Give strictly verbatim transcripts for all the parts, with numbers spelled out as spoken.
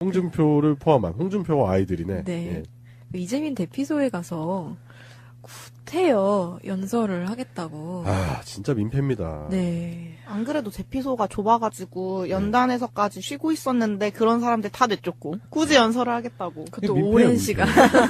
홍준표를 포함한 홍준표와 아이들이네. 네. 예. 이재민 대피소에 가서 구태여 연설을 하겠다고. 아, 진짜 민폐입니다. 네. 안 그래도 대피소가 좁아가지고 연단에서까지 쉬고 있었는데 그런 사람들 다 내쫓고 굳이 연설을 하겠다고. 그것도 민폐야, 오랜 민폐. 시간.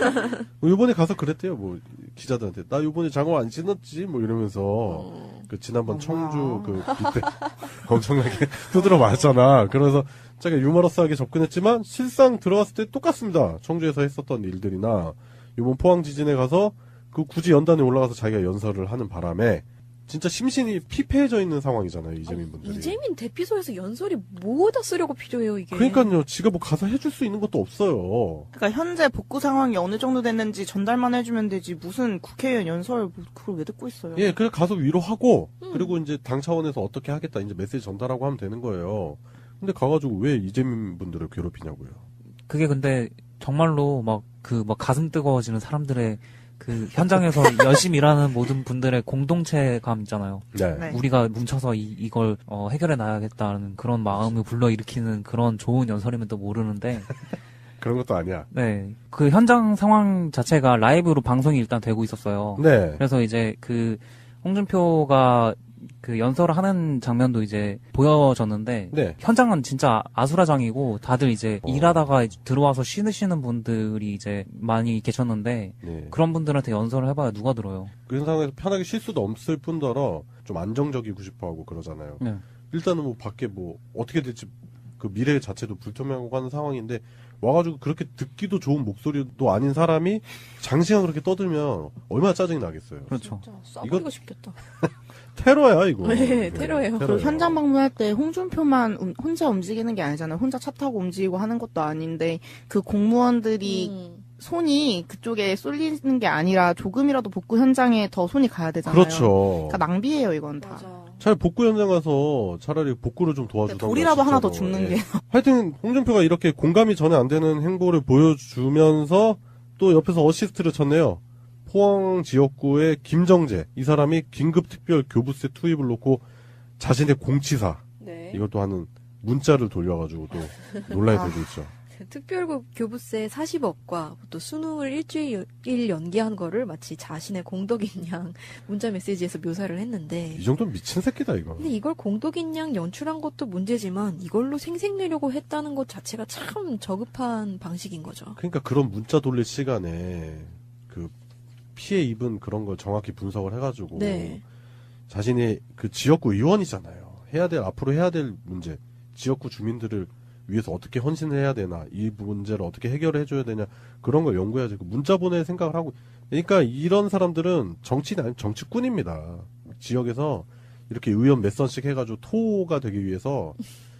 뭐 요번에 가서 그랬대요. 뭐 기자들한테 나 요번에 장어 안 신었지 뭐 이러면서 어. 그 지난번 어, 청주 뭐야. 그 그때 엄청나게 두드려 맞았잖아. 그래서 자기가 유머러스하게 접근했지만 실상 들어갔을 때 똑같습니다. 청주에서 했었던 일들이나 요번 포항 지진에 가서 그 굳이 연단에 올라가서 자기가 연설을 하는 바람에 진짜 심신이 피폐해져 있는 상황이잖아요. 이재민 분들이. 이재민 대피소에서 연설이 뭐다 쓰려고 필요해요, 이게. 그러니까요. 지가 뭐 가서 해줄 수 있는 것도 없어요. 그러니까 현재 복구 상황이 어느 정도 됐는지 전달만 해주면 되지 무슨 국회의원 연설 뭐 그걸 왜 듣고 있어요? 예, 그래 가서 위로하고 음. 그리고 이제 당 차원에서 어떻게 하겠다 이제 메시지 전달하고 하면 되는 거예요. 근데 가가지고 왜 이재민 분들을 괴롭히냐고요. 그게 근데 정말로 막 그 막 가슴 뜨거워지는 사람들의 그 현장에서 열심히 일하는 모든 분들의 공동체감 있잖아요. 네. 네. 우리가 뭉쳐서 이, 이걸 어, 해결해 나가겠다는 그런 마음을 불러일으키는 그런 좋은 연설이면 또 모르는데 그런 것도 아니야. 네. 그 현장 상황 자체가 라이브로 방송이 일단 되고 있었어요. 네. 그래서 이제 그 홍준표가 그 연설을 하는 장면도 이제 보여졌는데 네. 현장은 진짜 아수라장이고 다들 이제 어. 일하다가 들어와서 쉬시는 분들이 이제 많이 계셨는데 네. 그런 분들한테 연설을 해봐야 누가 들어요. 그런 상황에서 편하게 쉴 수도 없을 뿐더러 좀 안정적이고 싶어 하고 그러잖아요. 네. 일단은 뭐 밖에 뭐 어떻게 될지 그 미래 자체도 불투명하고 하는 상황인데 와가지고 그렇게 듣기도 좋은 목소리도 아닌 사람이 장시간 그렇게 떠들면 얼마나 짜증이 나겠어요. 그렇죠. 진짜 싸버리고 이거- 싶겠다. 테러야 이거. 네, 테러예요. 그리고 현장 방문할 때 홍준표만 음- 혼자 움직이는 게 아니잖아요. 혼자 차 타고 움직이고 하는 것도 아닌데 그 공무원들이 음. 손이 그쪽에 쏠리는 게 아니라 조금이라도 복구 현장에 더 손이 가야 되잖아요. 그렇죠. 그러니까 낭비예요 이건 다. 맞아. 차라리 복구 현장 가서 차라리 복구를 좀 도와주던가. 돌이라도 하나 더 진짜로. 죽는 예. 게. 하여튼 홍준표가 이렇게 공감이 전혀 안 되는 행보를 보여주면서 또 옆에서 어시스트를 쳤네요. 포항 지역구의 김정재 이 사람이 긴급 특별 교부세 투입을 놓고 자신의 공치사 네. 이것도 하는 문자를 돌려가지고 또 논란이 아. 되고 있죠. 특별 교부세 사십억과 또 수능을 일주일 연기한 거를 마치 자신의 공덕인 양 문자 메시지에서 묘사를 했는데 이 정도면 미친 새끼다 이거. 근데 이걸 공덕인 양 연출한 것도 문제지만 이걸로 생색내려고 했다는 것 자체가 참 저급한 방식인 거죠. 그러니까 그런 문자 돌릴 시간에 그 피해 입은 그런 걸 정확히 분석을 해가지고 네. 자신의 그 지역구 의원이잖아요. 해야 될 앞으로 해야 될 문제, 지역구 주민들을 위해서 어떻게 헌신을 해야 되나, 이 문제를 어떻게 해결을 해줘야 되냐 그런 걸 연구해야지. 문자 보낼 생각을 하고. 그러니까 이런 사람들은 정치인 아니 정치꾼입니다. 지역에서 이렇게 의원 몇 선씩 해가지고 토가 되기 위해서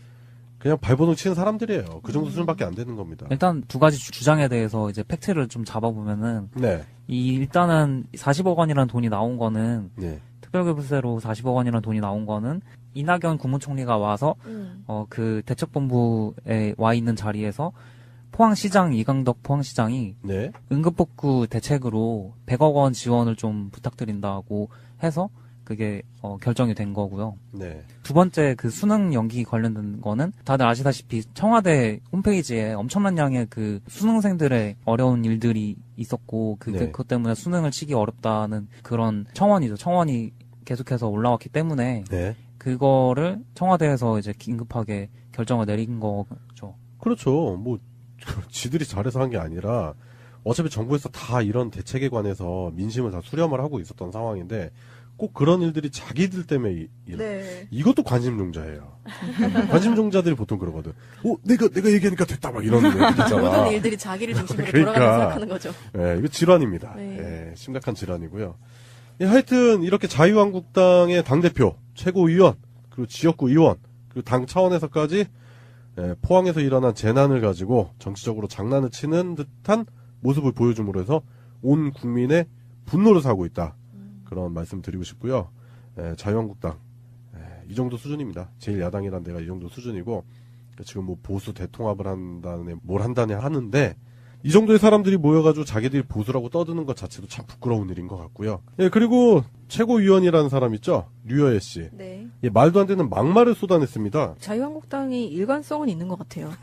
그냥 발버둥 치는 사람들이에요. 그 정도 수준밖에 안 되는 겁니다. 일단 두 가지 주- 주장에 대해서 이제 팩트를 좀 잡아보면은 네, 이 일단은 사십억 원이라는 돈이 나온 거는 네, 특별교부세로 사십억 원이라는 돈이 나온 거는 이낙연 국무총리가 와서 음. 어 그 대책본부에 와 있는 자리에서 포항시장 이강덕 포항시장이 네, 응급복구 대책으로 백억 원 지원을 좀 부탁드린다고 해서 그게 어 결정이 된 거고요. 네, 두 번째 그 수능 연기 관련된 거는 다들 아시다시피 청와대 홈페이지에 엄청난 양의 그 수능생들의 어려운 일들이 있었고 그 네. 그것 때문에 수능을 치기 어렵다는 그런 청원이죠. 청원이 계속해서 올라왔기 때문에 네. 그거를 청와대에서 이제 긴급하게 결정을 내린 거죠. 그렇죠. 뭐 지들이 잘해서 한 게 아니라 어차피 정부에서 다 이런 대책에 관해서 민심을 다 수렴을 하고 있었던 상황인데 꼭 그런 일들이 자기들 때문에 이, 이- 네. 이것도 관심종자예요. 관심종자들이 보통 그러거든. 어, 내가 내가 얘기하니까 됐다 막 이런 얘기 있잖아. 모든 일들이 자기를 중심으로 그러니까. 돌아가는 생각하는 거죠. 예, 이거 질환입니다. 네. 예, 심각한 질환이고요. 예, 하여튼 이렇게 자유한국당의 당대표, 최고위원, 그리고 지역구 의원, 그리고 당 차원에서까지 예, 포항에서 일어난 재난을 가지고 정치적으로 장난을 치는 듯한 모습을 보여줌으로 해서 온 국민의 분노를 사고 있다. 그런 말씀 드리고 싶고요. 예, 자유한국당 예, 이 정도 수준입니다. 제일 야당이란 데가 이 정도 수준이고 지금 뭐 보수 대통합을 한다네 뭘 한다네 하는데 이 정도의 사람들이 모여가지고 자기들이 보수라고 떠드는 것 자체도 참 부끄러운 일인 것 같고요. 예, 그리고 최고위원이라는 사람 있죠? 류여애 씨. 네. 예, 말도 안 되는 막말을 쏟아냈습니다. 자유한국당이 일관성은 있는 것 같아요.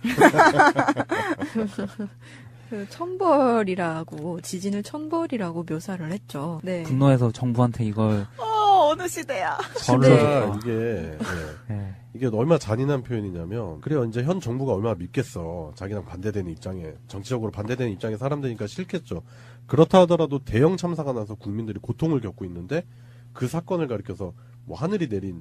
그 천벌이라고 지진을 천벌이라고 묘사를 했죠. 네. 분노해서 정부한테 이걸 어, 어느 시대야. 벌을 네. 진짜 이게 예, 예. 이게 얼마나 잔인한 표현이냐면 그래요. 이제 현 정부가 얼마나 믿겠어. 자기랑 반대되는 입장에 정치적으로 반대되는 입장에 사람들이니까 싫겠죠. 그렇다 하더라도 대형 참사가 나서 국민들이 고통을 겪고 있는데 그 사건을 가리켜서 뭐 하늘이 내린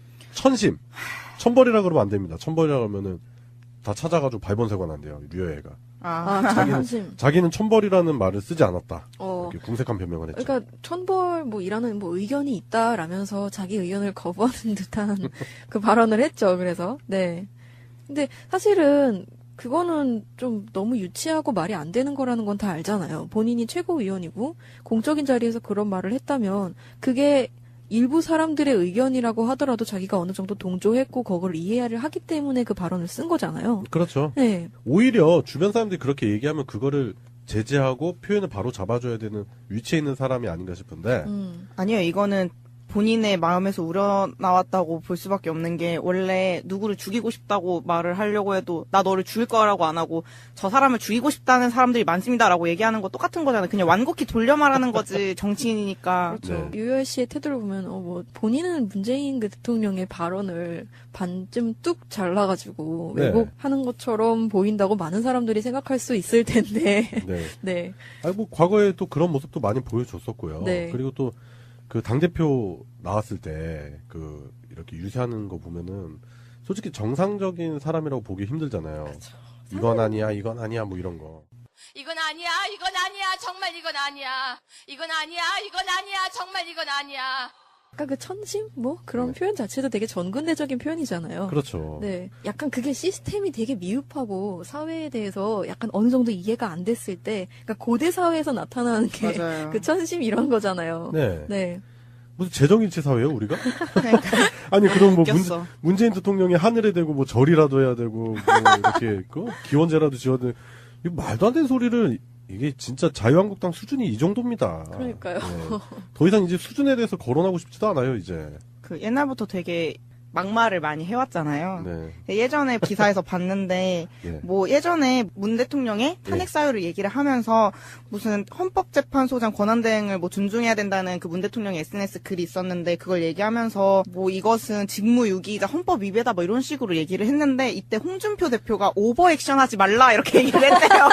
천심, 천벌이라 그러면 안 됩니다. 천벌이라 그러면은 다 찾아가지고 발본색원 안 돼요. 류여애가. 아, 아, 자기는- 천심. 자기는 천벌이라는 말을 쓰지 않았다. 어. 이렇게 궁색한 변명을 했죠. 그러니까 천벌 뭐 이라는 뭐 의견이 있다라면서 자기 의견을 거부하는 듯한 그 발언을 했죠. 그래서 네. 근데 사실은 그거는 좀 너무 유치하고 말이 안 되는 거라는 건 다 알잖아요. 본인이 최고위원이고 공적인 자리에서 그런 말을 했다면 그게 일부 사람들의 의견이라고 하더라도 자기가 어느 정도 동조했고 그걸 이해를 하기 때문에 그 발언을 쓴 거잖아요. 그렇죠. 네. 오히려 주변 사람들이 그렇게 얘기하면 그거를 제재하고 표현을 바로 잡아줘야 되는 위치에 있는 사람이 아닌가 싶은데 음. 아니요, 이거는 본인의 마음에서 우러나왔다고 볼 수밖에 없는 게 원래 누구를 죽이고 싶다고 말을 하려고 해도 나 너를 죽일 거라고 안 하고 저 사람을 죽이고 싶다는 사람들이 많습니다라고 얘기하는 거 똑같은 거잖아요. 그냥 완곡히 돌려 말하는 거지 정치인이니까. 그렇죠. 네. 유열 씨의 태도를 보면 어 뭐 본인은 문재인 그 대통령의 발언을 반쯤 뚝 잘라가지고 네. 왜곡하는 것처럼 보인다고 많은 사람들이 생각할 수 있을 텐데. 네. 네. 아니 뭐 과거에 또 그런 모습도 많이 보여줬었고요. 네. 그리고 또 그 당대표 나왔을 때 그 이렇게 유세하는 거 보면은 솔직히 정상적인 사람이라고 보기 힘들잖아요. 이건 아니야, 이건 아니야, 뭐 이런 거. 이건 아니야, 이건 아니야, 정말 이건 아니야. 이건 아니야, 이건 아니야, 정말 이건 아니야. 아까 그 천심 뭐 그런 네. 표현 자체도 되게 전근대적인 표현이잖아요. 그렇죠. 네. 약간 그게 시스템이 되게 미흡하고 사회에 대해서 약간 어느 정도 이해가 안 됐을 때, 그러니까 고대 사회에서 나타나는 게 그 맞아요. 천심 이런 거잖아요. 네. 네. 무슨 재정일치 사회예요, 우리가? 그러니까 아니 그럼 뭐 문, 웃겼어. 문재인 대통령이 하늘에 대고 뭐 절이라도 해야 되고 뭐 이렇게 그 기원제라도 지어야 돼. 이거 말도 안 되는 소리를 이게 진짜 자유한국당 수준이 이 정도입니다. 그러니까요. 네. 더 이상 이제 수준에 대해서 거론하고 싶지도 않아요, 이제. 그 옛날부터 되게 막말을 많이 해왔잖아요. 네. 예전에 기사에서 봤는데 예. 뭐 예전에 문 대통령의 탄핵 사유를 얘기를 하면서 무슨 헌법재판소장 권한대행을 뭐 존중해야 된다는 그 문 대통령의 에스엔에스 글이 있었는데 그걸 얘기하면서 뭐 이것은 직무유기이자 헌법 위배다 뭐 이런 식으로 얘기를 했는데 이때 홍준표 대표가 오버액션하지 말라 이렇게 얘기를 했대요.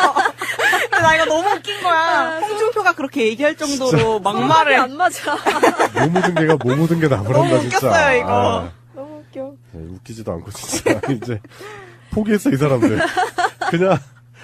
근데 나 이거 너무 웃긴 거야. 홍준표가 그렇게 얘기할 정도로 막말을 안 맞아. 뭐 묻은 개가 뭐 묻은 게 나무란다, 너무 진짜. 웃겼어요, 이거. 아, 너무 웃겨. 네, 웃기지도 않고, 진짜. 이제, 포기했어, 이 사람들. 그냥,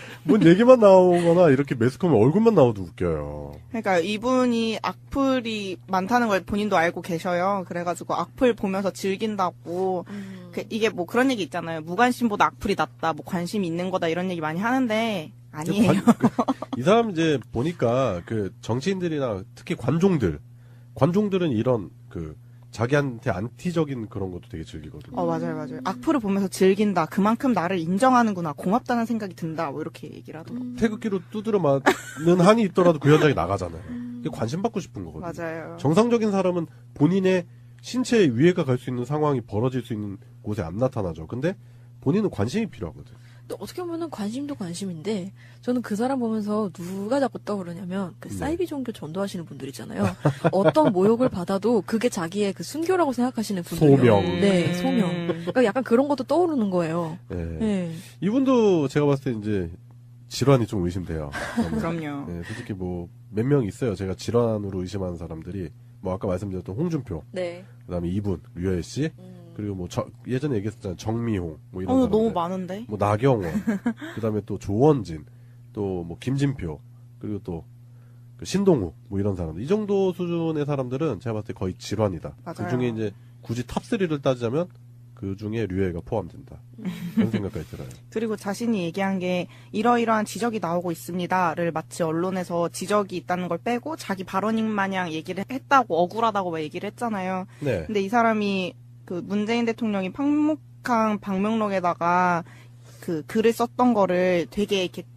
뭔 얘기만 나오거나, 이렇게 매스컴에 얼굴만 나와도 웃겨요. 그러니까 이분이 악플이 많다는 걸 본인도 알고 계셔요. 그래가지고 악플 보면서 즐긴다고. 음. 그 이게 뭐 그런 얘기 있잖아요. 무관심보다 악플이 낫다. 뭐 관심이 있는 거다 이런 얘기 많이 하는데 아니에요. 관- 그, 이 사람 이제 보니까, 그, 정치인들이나 특히 관종들, 관종들은 이런, 그, 자기한테 안티적인 그런 것도 되게 즐기거든요. 어 맞아요 맞아요. 악플을 보면서 즐긴다. 그만큼 나를 인정하는구나. 고맙다는 생각이 든다. 뭐 이렇게 얘기를 하더라고요. 태극기로 두드려 맞는 한이 있더라도 그 현장에 나가잖아요. 이게 관심 받고 싶은 거거든요. 맞아요. 정상적인 사람은 본인의 신체에 위해가 갈 수 있는 상황이 벌어질 수 있는 곳에 안 나타나죠. 근데 본인은 관심이 필요하거든. 또 어떻게 보면은 관심도 관심인데 저는 그 사람 보면서 누가 자꾸 떠오르냐면 그 네. 사이비 종교 전도하시는 분들 있잖아요. 어떤 모욕을 받아도 그게 자기의 그 순교라고 생각하시는 분들. 소명. 네, 소명. 음. 그러니까 약간 그런 것도 떠오르는 거예요. 네. 네. 이분도 제가 봤을 때 이제 질환이 좀 의심돼요. 저는. 그럼요. 네, 솔직히 뭐 몇 명 있어요. 제가 질환으로 의심하는 사람들이 뭐 아까 말씀드렸던 홍준표, 네. 그다음에 이분 류여애 씨, 음. 그리고 뭐 저, 예전에 얘기했었잖아요. 정미홍 뭐 이런 어 사람들. 너무 많은데. 뭐 나경원, 그다음에 또 조원진, 또 뭐 김진표, 그리고 또 그 신동욱 뭐 이런 사람들. 이 정도 수준의 사람들은 제가 봤을 때 거의 질환이다. 맞아요. 그 중에 이제 굳이 탑삼을 따지자면 그 중에 류여애가 포함된다. 그런 생각까지 들어요. 그리고 자신이 얘기한 게 이러이러한 지적이 나오고 있습니다를 마치 언론에서 지적이 있다는 걸 빼고 자기 발언인 마냥 얘기를 했다고 억울하다고 막 얘기를 했잖아요. 네. 근데 이 사람이 그 문재인 대통령이 팡목항 방명록에다가 그 글을 썼던 거를 되게 이렇게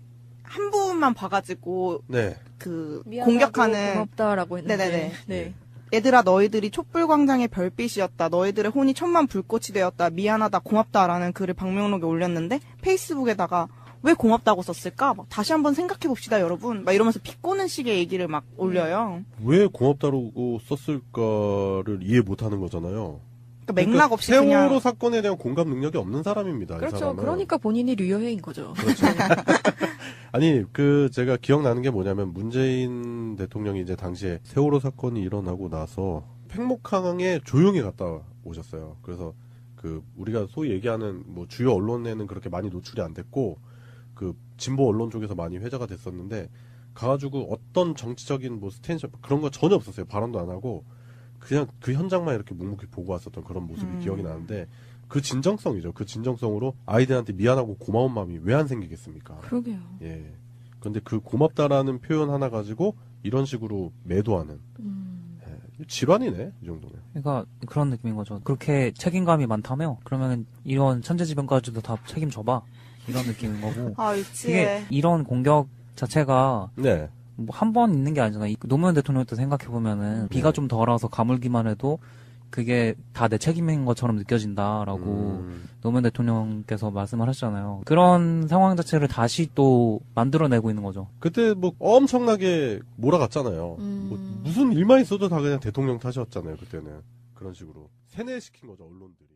한 부분만 봐가지고 네. 그 미안하고 공격하는 고맙다라고 했는데. 네네네. 네. 얘들아 너희들이 촛불광장의 별빛이었다. 너희들의 혼이 천만 불꽃이 되었다. 미안하다 고맙다라는 글을 방명록에 올렸는데 페이스북에다가 왜 고맙다고 썼을까? 막 다시 한번 생각해 봅시다 여러분. 막 이러면서 비꼬는 식의 얘기를 막 올려요. 왜 고맙다고 썼을까를 이해 못하는 거잖아요. 그러니까 맥락 없이 세월호 그냥 사건에 대한 공감 능력이 없는 사람입니다. 이 그렇죠. 사람은. 그러니까 본인이 류여행인 거죠. 그렇죠. 아니 그 제가 기억나는 게 뭐냐면 문재인 대통령이 이제 당시에 세월호 사건이 일어나고 나서 팽목항에 조용히 갔다 오셨어요. 그래서 그 우리가 소위 얘기하는 뭐 주요 언론에는 그렇게 많이 노출이 안 됐고 그 진보 언론 쪽에서 많이 회자가 됐었는데 가가지고 어떤 정치적인 뭐 스탠스 그런 거 전혀 없었어요. 발언도 안 하고 그냥 그 현장만 이렇게 묵묵히 보고 왔었던 그런 모습이 음. 기억이 나는데 그 진정성이죠. 그 진정성으로 아이들한테 미안하고 고마운 마음이 왜 안 생기겠습니까? 그러게요. 예. 그런데 그 고맙다라는 표현 하나 가지고 이런 식으로 매도하는 음. 예. 질환이네 이 정도면. 그러니까 그런 느낌인 거죠. 그렇게 책임감이 많다며? 그러면 이런 천재지변까지도 다 책임져봐. 이런 느낌인 거고. 아 이게 유치해. 이런 공격 자체가 네. 뭐 한 번 있는 게 아니잖아. 이 노무현 대통령도 생각해 보면은 비가 좀 덜 와서 가물기만 해도 그게 다 내 책임인 것처럼 느껴진다라고 음. 노무현 대통령께서 말씀을 하셨잖아요. 그런 상황 자체를 다시 또 만들어내고 있는 거죠. 그때 뭐 엄청나게 몰아갔잖아요. 음. 뭐 무슨 일만 있어도 다 그냥 대통령 탓이었잖아요. 그때는 그런 식으로 세뇌시킨 거죠 언론들이.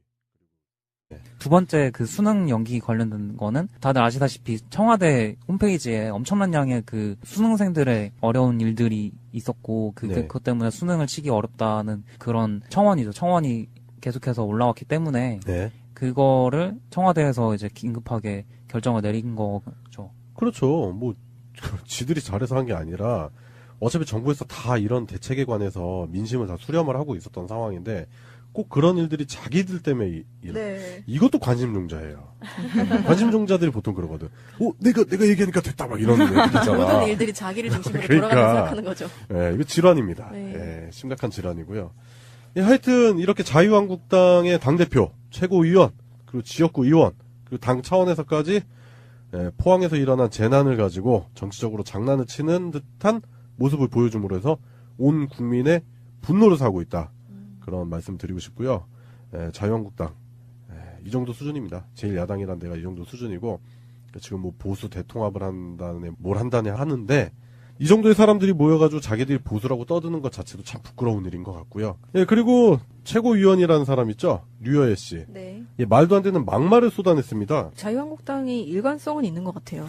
두 번째 그 수능 연기 관련된 거는 다들 아시다시피 청와대 홈페이지에 엄청난 양의 그 수능생들의 어려운 일들이 있었고 그, 네. 그, 그것 때문에 수능을 치기 어렵다는 그런 청원이죠. 청원이 계속해서 올라왔기 때문에 네. 그거를 청와대에서 이제 긴급하게 결정을 내린 거죠. 그렇죠. 뭐 지들이 잘해서 한 게 아니라 어차피 정부에서 다 이런 대책에 관해서 민심을 다 수렴을 하고 있었던 상황인데 꼭 그런 일들이 자기들 때문에 이, 일- 네. 이것도 관심종자예요. 관심종자들이 보통 그러거든. 어, 내가 내가 얘기하니까 됐다 막 이런 얘기 있잖아. 모든 일들이 자기를 중심으로 그러니까. 돌아가는 생각하는 거죠. 예, 이거 질환입니다. 네. 예, 심각한 질환이고요. 예, 하여튼 이렇게 자유한국당의 당대표, 최고위원, 그리고 지역구 의원, 그리고 당 차원에서까지 예, 포항에서 일어난 재난을 가지고 정치적으로 장난을 치는 듯한 모습을 보여줌으로 해서 온 국민의 분노를 사고 있다. 그런 말씀 드리고 싶고요. 예, 자유한국당 예, 이 정도 수준입니다. 제일 야당이란 데가 이 정도 수준이고 지금 뭐 보수 대통합을 한다네 뭘 한다네 하는데 이 정도의 사람들이 모여가지고 자기들이 보수라고 떠드는 것 자체도 참 부끄러운 일인 것 같고요. 예, 그리고 최고위원이라는 사람 있죠? 류여애 씨. 네. 예, 말도 안 되는 막말을 쏟아냈습니다. 자유한국당이 일관성은 있는 것 같아요.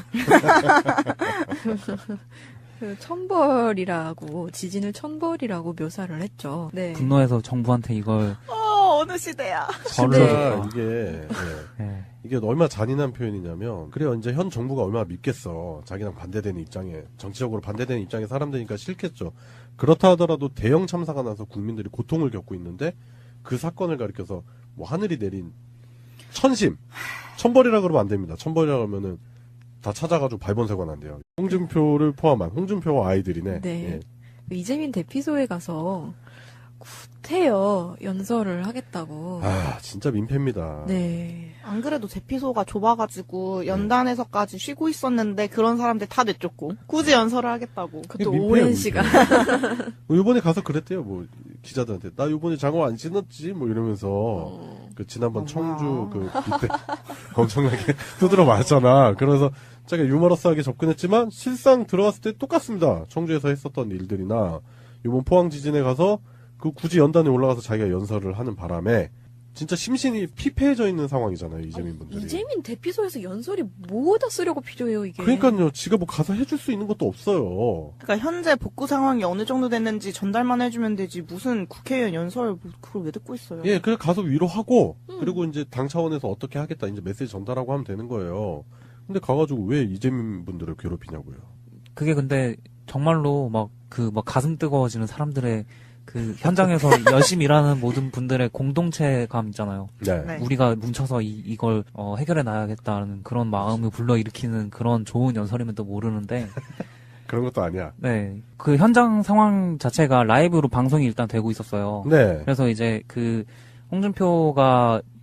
그 천벌이라고 지진을 천벌이라고 묘사를 했죠. 네. 분노해서 정부한테 이걸 어 어느 시대야. 벌을 진짜 줬다. 이게 예, 예. 이게 얼마나 잔인한 표현이냐면 그래요. 이제 현 정부가 얼마나 믿겠어. 자기랑 반대되는 입장에 정치적으로 반대되는 입장에 사람들이니까 싫겠죠. 그렇다 하더라도 대형 참사가 나서 국민들이 고통을 겪고 있는데 그 사건을 가리켜서 뭐 하늘이 내린 천심, 천벌이라 그러면 안 됩니다. 천벌이라 그러면은 다 찾아가지고 발본세관 한대요. 홍준표를 포함한 홍준표와 아이들이네. 네. 예. 그 이재민 대피소에 가서 구태여 연설을 하겠다고. 아 진짜 민폐입니다. 네. 안 그래도 대피소가 좁아가지고 연단에서까지 쉬고 있었는데 그런 사람들 다 내쫓고 굳이 연설을 하겠다고. 그것도 민폐예요, 오랜 민폐. 시간. 뭐 이번에 가서 그랬대요. 뭐 기자들한테 나 이번에 장어 안 신었지 뭐 이러면서 어. 그 지난번 어머. 청주 그 그때 엄청나게 두드려 맞았잖아. 그래서 자기가 유머러스하게 접근했지만 실상 들어갔을 때 똑같습니다. 청주에서 했었던 일들이나 이번 포항 지진에 가서 그 굳이 연단에 올라가서 자기가 연설을 하는 바람에 진짜 심신이 피폐해져 있는 상황이잖아요. 이재민 분들이. 이재민 대피소에서 연설이 뭐다 쓰려고 필요해요, 이게. 그러니까요. 지가 뭐 가서 해줄 수 있는 것도 없어요. 그러니까 현재 복구 상황이 어느 정도 됐는지 전달만 해주면 되지 무슨 국회의원 연설 뭐 그걸 왜 듣고 있어요? 예, 그래 가서 위로하고 음. 그리고 이제 당 차원에서 어떻게 하겠다 이제 메시지 전달하고 하면 되는 거예요. 근데 가가지고 왜 이재민 분들을 괴롭히냐고요. 그게 근데 정말로 막 그 막 가슴 뜨거워지는 사람들의 그 현장에서 열심히 일하는 모든 분들의 공동체감 있잖아요. 네. 네. 우리가 뭉쳐서 이, 이걸 어, 해결해 나가겠다는 그런 마음을 불러일으키는 그런 좋은 연설이면 또 모르는데 그런 것도 아니야. 네. 그 현장 상황 자체가 라이브로 방송이 일단 되고 있었어요. 네. 그래서 이제 그 홍준표가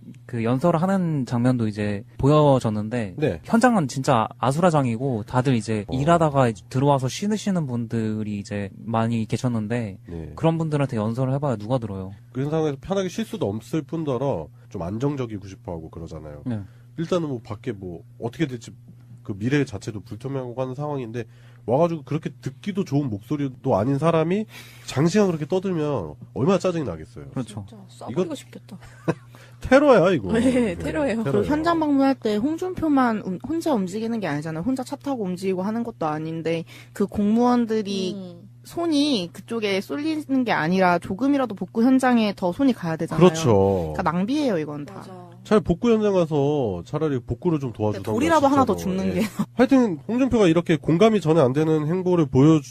그 연설을 하는 장면도 이제 보여졌는데 네. 현장은 진짜 아수라장이고 다들 이제 어. 일하다가 들어와서 쉬시는 분들이 이제 많이 계셨는데 네. 그런 분들한테 연설을 해봐야 누가 들어요. 그런 상황에서 편하게 쉴 수도 없을 뿐더러 좀 안정적이고 싶어하고 그러잖아요. 네. 일단은 뭐 밖에 뭐 어떻게 될지 그 미래 자체도 불투명하고 하는 상황인데 와가지고 그렇게 듣기도 좋은 목소리도 아닌 사람이 장시간 그렇게 떠들면 얼마나 짜증이 나겠어요. 그렇죠. 진짜 쏴버리고 이거- 싶겠다. 테러야 이거. 네, 테러예요. 그 현장 방문할 때 홍준표만 음- 혼자 움직이는 게 아니잖아요. 혼자 차 타고 움직이고 하는 것도 아닌데 그 공무원들이 음. 손이 그쪽에 쏠리는 게 아니라 조금이라도 복구 현장에 더 손이 가야 되잖아요. 그렇죠. 그러니까 낭비예요, 이건 다. 맞아. 차라리 복구 현장 가서 차라리 복구를 좀 도와주던가. 돌이라도 하나 더 진짜로. 줍는 예. 게. 하여튼 홍준표가 이렇게 공감이 전혀 안 되는 행보를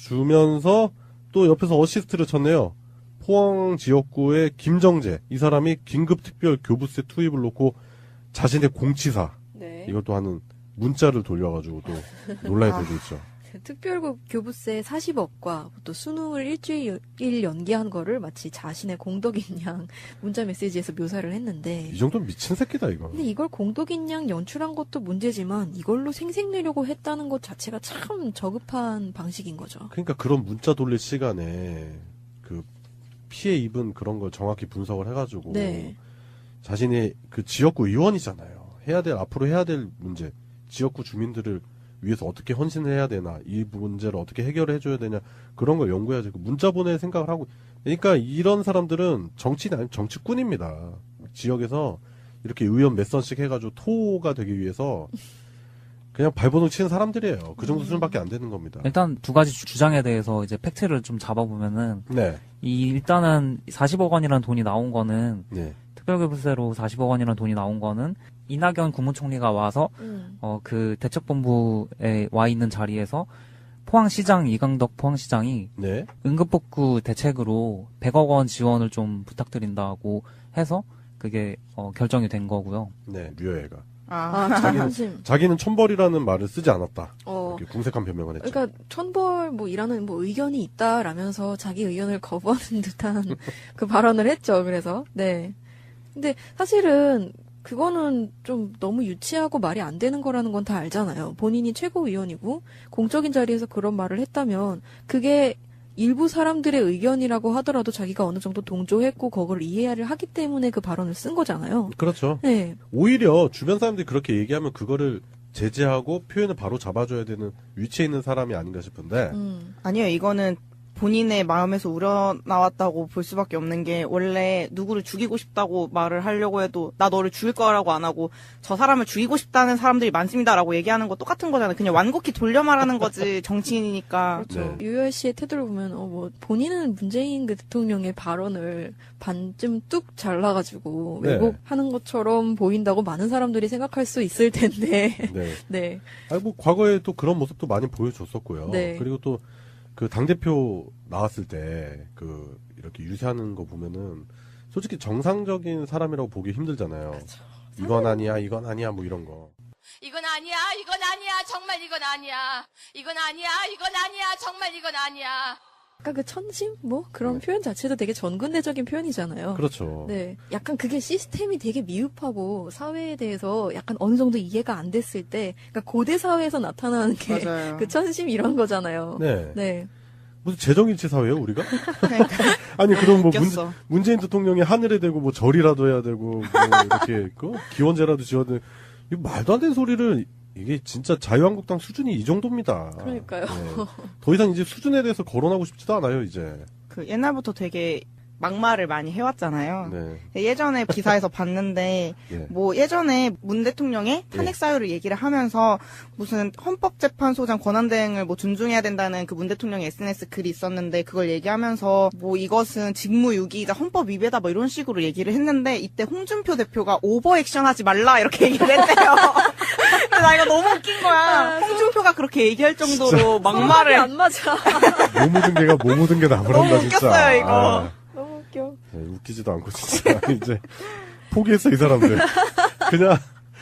보여주면서 또 옆에서 어시스트를 쳤네요. 포항 지역구의 김정재 이 사람이 긴급 특별 교부세 투입을 놓고 자신의 공치사 네. 이것도 하는 문자를 돌려가지고 또 논란이 아. 되고 있죠. 특별급 교부세 사십억과 또 수능을 일주일 연기한 거를 마치 자신의 공덕인 양 문자 메시지에서 묘사를 했는데 이 정도면 미친 새끼다 이거. 근데 이걸 공덕인 양 연출한 것도 문제지만 이걸로 생색내려고 했다는 것 자체가 참 저급한 방식인 거죠. 그러니까 그런 문자 돌릴 시간에 그 피해 입은 그런 걸 정확히 분석을 해가지고 네. 자신의 그 지역구 의원이잖아요. 해야 될 앞으로 해야 될 문제, 지역구 주민들을 위해서 어떻게 헌신을 해야 되나, 이 문제를 어떻게 해결을 해줘야 되냐 그런 걸 연구해야지. 그 문자 보낼 생각을 하고. 그러니까 이런 사람들은 정치인 아니 정치꾼입니다. 지역에서 이렇게 의원 몇 선씩 해가지고 토가 되기 위해서 그냥 발버둥 치는 사람들이에요. 그 정도 수준밖에 안 되는 겁니다. 일단 두 가지 주- 주장에 대해서 이제 팩트를 좀 잡아보면은 네, 이 일단은 사십억 원이라는 돈이 나온 거는 네, 특별교부세로 사십억 원이라는 돈이 나온 거는 이낙연 국무총리가 와서 음. 어 그 대책본부에 와 있는 자리에서 포항시장 이강덕 포항시장이 네. 응급복구 대책으로 백억 원 지원을 좀 부탁드린다고 해서 그게 어 결정이 된 거고요. 네, 류여애가 아, 아, 참 한심. 자기는 천벌이라는 말을 쓰지 않았다. 어. 이렇게 궁색한 변명을 했죠. 그러니까 천벌 뭐 이라는 뭐 의견이 있다라면서 자기 의견을 거부하는 듯한 그 발언을 했죠. 그래서 네. 근데 사실은 그거는 좀 너무 유치하고 말이 안 되는 거라는 건 다 알잖아요. 본인이 최고위원이고 공적인 자리에서 그런 말을 했다면 그게 일부 사람들의 의견이라고 하더라도 자기가 어느 정도 동조했고 그걸 이해를 하기 때문에 그 발언을 쓴 거잖아요. 그렇죠. 네. 오히려 주변 사람들이 그렇게 얘기하면 그거를 제재하고 표현을 바로 잡아줘야 되는 위치에 있는 사람이 아닌가 싶은데 음. 아니요, 이거는 본인의 마음에서 우러나왔다고 볼 수밖에 없는 게 원래 누구를 죽이고 싶다고 말을 하려고 해도 나 너를 죽일 거라고 안 하고 저 사람을 죽이고 싶다는 사람들이 많습니다라고 얘기하는 거 똑같은 거잖아요. 그냥 완곡히 돌려 말하는 거지 정치인이니까. 그렇죠. 네. 유열 씨의 태도를 보면 어 뭐 본인은 문재인 그 대통령의 발언을 반쯤 뚝 잘라가지고 네. 왜곡하는 것처럼 보인다고 많은 사람들이 생각할 수 있을 텐데. 네. 네. 아니 뭐 과거에 또 그런 모습도 많이 보여줬었고요. 네. 그리고 또 그 당대표 나왔을 때 그 이렇게 유세하는 거 보면은 솔직히 정상적인 사람이라고 보기 힘들잖아요. 이건 아니야, 이건 아니야, 뭐 이런 거. 이건 아니야, 이건 아니야, 정말 이건 아니야. 이건 아니야, 이건 아니야, 정말 이건 아니야. 아까 그 천심 뭐 그런 네. 표현 자체도 되게 전근대적인 표현이잖아요. 그렇죠. 네. 약간 그게 시스템이 되게 미흡하고 사회에 대해서 약간 어느 정도 이해가 안 됐을 때, 그러니까 고대 사회에서 나타나는 게 맞아요. 그 천심 이런 거잖아요. 네. 네. 무슨 재정일치 사회예요, 우리가? 그러니까 아니 그럼 뭐 문, 웃겼어. 문재인 대통령이 하늘에 대고 뭐 절이라도 해야 되고 뭐 이렇게 그 기원제라도 지어야 돼. 이거 말도 안 되는 소리를 이게 진짜 자유한국당 수준이 이 정도입니다. 그러니까요. 네. 더 이상 이제 수준에 대해서 거론하고 싶지도 않아요, 이제. 그 옛날부터 되게 막말을 많이 해왔잖아요. 네. 예전에 기사에서 봤는데 예. 뭐 예전에 문 대통령의 탄핵 사유를 얘기를 하면서 무슨 헌법재판소장 권한대행을 뭐 존중해야 된다는 그 문 대통령의 에스엔에스 글이 있었는데 그걸 얘기하면서 뭐 이것은 직무유기이자 헌법 위배다 뭐 이런 식으로 얘기를 했는데 이때 홍준표 대표가 오버액션하지 말라 이렇게 얘기를 했대요. 근데 나 이거 너무 웃긴 거야. 홍준표가 그렇게 얘기할 정도로 말이 막말을 안 맞아. 뭐 묻은 개가 뭐 묻은 게 나무란다, 너무 진짜. 웃겼어요, 이거. 아, 너무 웃겨. 네, 웃기지도 않고, 진짜. 이제, 포기했어, 이 사람들. 그냥,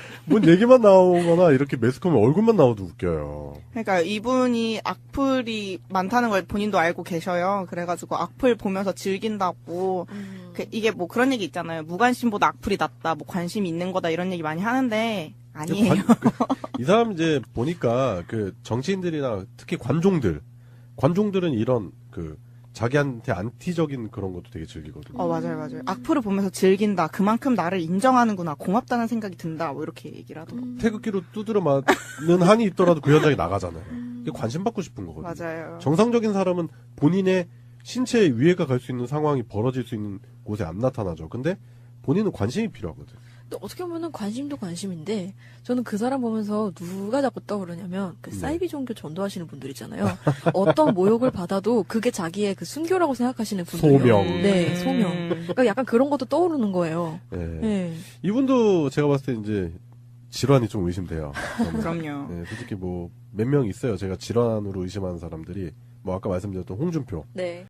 뭔 얘기만 나오거나, 이렇게 매스컴에 얼굴만 나와도 웃겨요. 그러니까 이분이 악플이 많다는 걸 본인도 알고 계셔요. 그래가지고 악플 보면서 즐긴다고 음. 그 이게 뭐 그런 얘기 있잖아요. 무관심보다 악플이 낫다. 뭐 관심이 있는 거다 이런 얘기 많이 하는데 아니에요. 관- 그, 이 사람 이제 보니까 그 정치인들이나 특히 관종들, 관종들은 이런 그 자기한테 안티적인 그런 것도 되게 즐기거든요. 어 맞아요 맞아요. 악플을 보면서 즐긴다. 그만큼 나를 인정하는구나. 고맙다는 생각이 든다. 뭐 이렇게 얘기를 하더라고요. 음. 태극기로 두드려 맞는 한이 있더라도 그 현장에 나가잖아요. 이게 관심 받고 싶은 거거든요. 맞아요. 정상적인 사람은 본인의 신체에 위해가 갈 수 있는 상황이 벌어질 수 있는 곳에 안 나타나죠. 근데 본인은 관심이 필요하거든. 근데 어떻게 보면은 관심도 관심인데 저는 그 사람 보면서 누가 자꾸 떠오르냐면 그 네. 사이비 종교 전도하시는 분들 있잖아요. 어떤 모욕을 받아도 그게 자기의 그 순교라고 생각하시는 분들. 소명. 네, 소명. 음. 그러니까 약간 그런 것도 떠오르는 거예요. 예. 네. 이분도 제가 봤을 때 이제 질환이 좀 의심돼요. 저는. 그럼요. 네, 솔직히 뭐 몇 명 있어요. 제가 질환으로 의심하는 사람들이 뭐 아까 말씀드렸던 홍준표. 네.